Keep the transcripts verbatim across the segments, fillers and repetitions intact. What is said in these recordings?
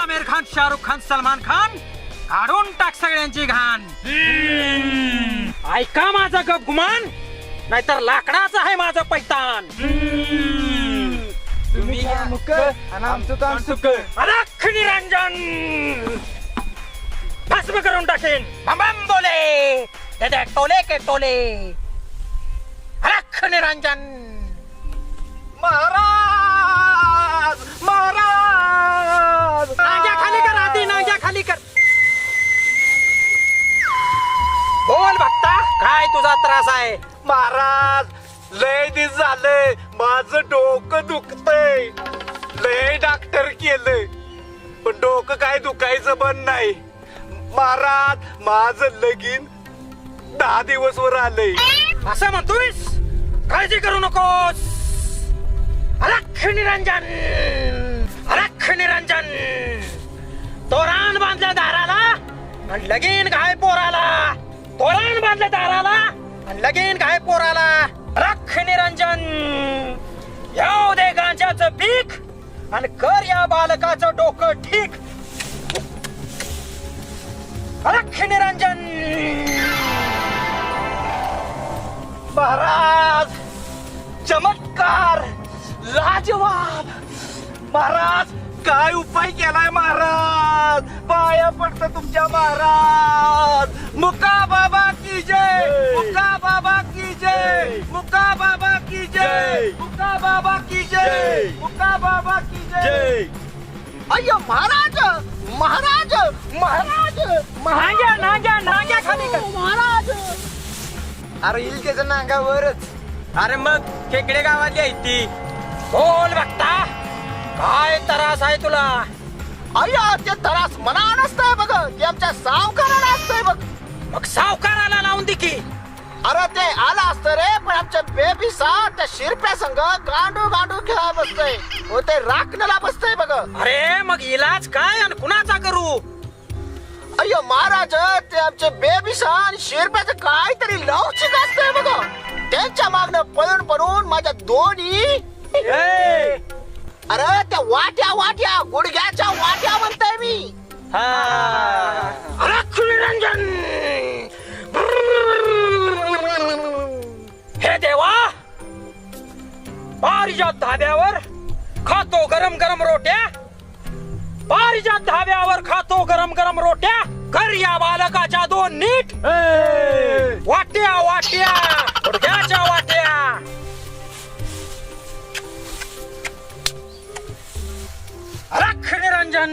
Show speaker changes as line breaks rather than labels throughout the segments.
आमिर खान, शाहरुख खान, सलमान खान, काढून टाक सगळ्यांची घाण. ऐका माझा गप गुमान, नाहीतर लाकडाचा आहे माझं पैतान.
तुम्ही घ्या मुक आणि आमचं काम सुक.
अलख निरंजन भस्म करून टाकेन. बम बम बोले दे दे टोले के टोले. अलख निरंजन.
महाराज महाराज
नांग्या खाली कर आधी, नांग्या खाली कर. बोल भक्ता, काय तुझा त्रास आहे?
महाराज लय दिस झालंय, माझं डोकं दुखतंय. लय डॉक्टर केलंय पण डोकं काय दुखायचं बंद नाही. महाराज माझं लगीन दहा दिवस वर आलंय.
असं म्हणतोयस? काळजी करू नकोस. अलख निरंजन, अलख निरंजन. तोरण बांधल्या दाराला आणि लगीन घाय पोराला. तोरण बांधल्या दाराला आणि लगीन घाय पोराला. अलख निरंजन. येऊ दे गांजाचं पीक आणि कर या बालकाचं डोकं ठीक. अलख निरंजन.
महाराज चमत्कार लाजवाब. महाराज काय उपाय केलाय महाराज? पाया पडतं तुमच्या महाराज. मुका बाबा की जय, मुका बाबा की जय, मुका बाबा की जय, मुका बाबा की जय, मुका बाबा की जय. अय्यो महाराज महाराज महाराज
नांग्या नांग्या नांग्या खाली कर.
महाराज. अरे येईल त्याच्या नांगावरच.
अरे मग खेकडे गावातली आहे ती. बोल बघता, काय त्रास आहे तुला?
अय्या ते त्रास मना नसतंय बघ, ते आमच्या सावकाराला असतंय बघ.
मग सावकाराला लावून दे की.
अरे ते आला असतं रे, पण आमच्या बेबी सा त्या शिरप्या संघ गांडू गांडू खेळा बसतय. हो ते राखण्याला बसतय बघ.
अरे मग इलाज काय आणि कुणाचा करू?
अय्यो महाराज ते आमचे बेबी सा आणि शिरप्याचं काहीतरी लवचिक असतंय बघ. त्यांच्या मागणं पळून पळून माझ्या दोन्ही अरे त्या वाट्या वाट्या गुडघ्याच्या वाट्या म्हणताय मी.
अलख निरंजन. हे देवा, पारिजात धाब्यावर खातो गरम गरम रोट्या. पारिजात धाब्यावर खातो गरम गरम रोट्या. कर या बालकाच्या दोन नीट. वाट्या वाट्या गुडघ्याच्या वाट्या. अलख निरंजन.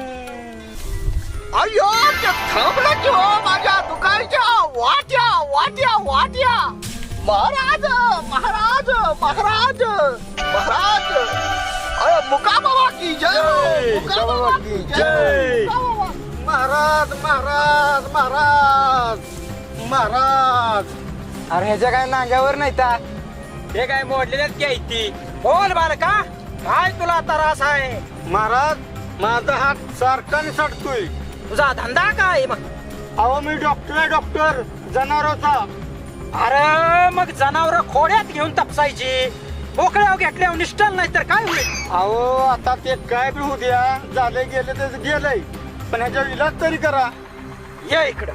अय्यो ते थांबलं की हो माझ्या दुकानच्या वाट्या वाट्या वाट्या. महाराज महाराज महाराज महाराज. अरे मुका बाबा की जय, मुका बाबा की जय. महाराज महाराज महाराज महाराज. अरे ह्याच्या काय नांग्यावर नाही ता.
हे काय मोडलेल्यात की आहे ती. बोल बालका, काय तुला त्रास आहे?
महाराज माझा हात सारखा निसटतोय.
तुझा धंदा काय मग?
अहो मी डॉक्टर आहे, डॉक्टर जनावरांचा.
अरे मग जनावर खोड्यात घेऊन तपसायची. बोकड्यावर घेतल्यावर निष्ठल नाही तर काय होईल?
अहो आता ते काय बी होऊ द्या, झाले गेले ते गेलंय, पण ह्याच्या इलाज तरी करा.
ये इकडं.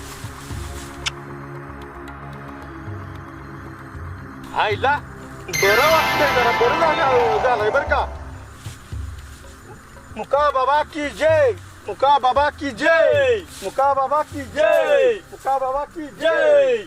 आईला बरं वाटतंय, जरा बरं झालं झालंय बरं का. मुका बाबा की जय, मुका बाबा की जय, मुका बाबा की जय, मुका बाबा की जय.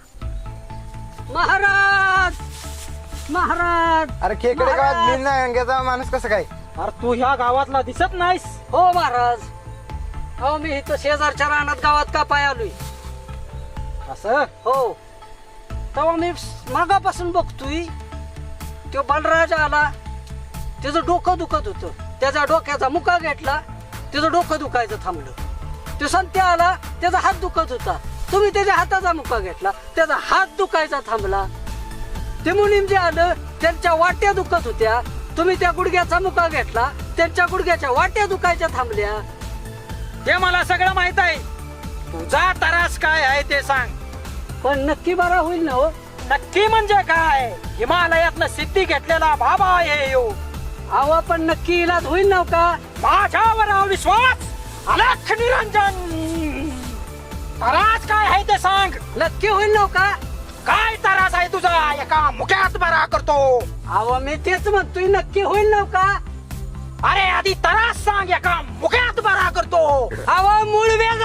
महाराज महाराज.
अरे खेकडे गावात मी नाही अंग्याचा माणूस कसं काय?
अरे तू ह्या गावातला दिसत नाहीस.
हो महाराज, हो मी इथं शेजारच्या रानात गावात का पाय आलोय.
असं?
हो तेव्हा मी मागापासून बघतोय तो बलराज आला. त्याचं डोकं दुखत होतं, त्याच्या डोक्याचा मुका घेतला, त्याचं डोकं दुखायचं थांबलं. तो संत्या आला, त्याचा हात दुखत होता, तुम्ही त्याच्या हाताचा मुका घेतला, त्याचा हात दुखायचा थांबला. ते मुनीम जे आलं त्यांच्या वाट्या दुखत होत्या, तुम्ही त्या गुडघ्याचा मुका घेतला, त्यांच्या गुडघ्याच्या वाट्या दुखायच्या थांबल्या.
ते मला सगळं माहित आहे. तुझा त्रास काय आहे ते सांग.
पण नक्की बरा होईल ना हो?
नक्की म्हणजे काय? हिमालयातनं सिद्धी घेतलेला बाबा आहे यो.
अहो पण नक्की इलाज होईल ना का?
माझ्यावर विश्वास अलख निरंजन. तरास काय आहे ते सांग.
नक्की होईल नव का?
काय तरास आहे तुझा? एका मुक्यात बरा करतो.
अहो मी तेच म्हणतोय, नक्की होईल नव का?
अरे आधी तरास सांग, एका मुक्यात बरा करतो.
अहो मूळ व्याज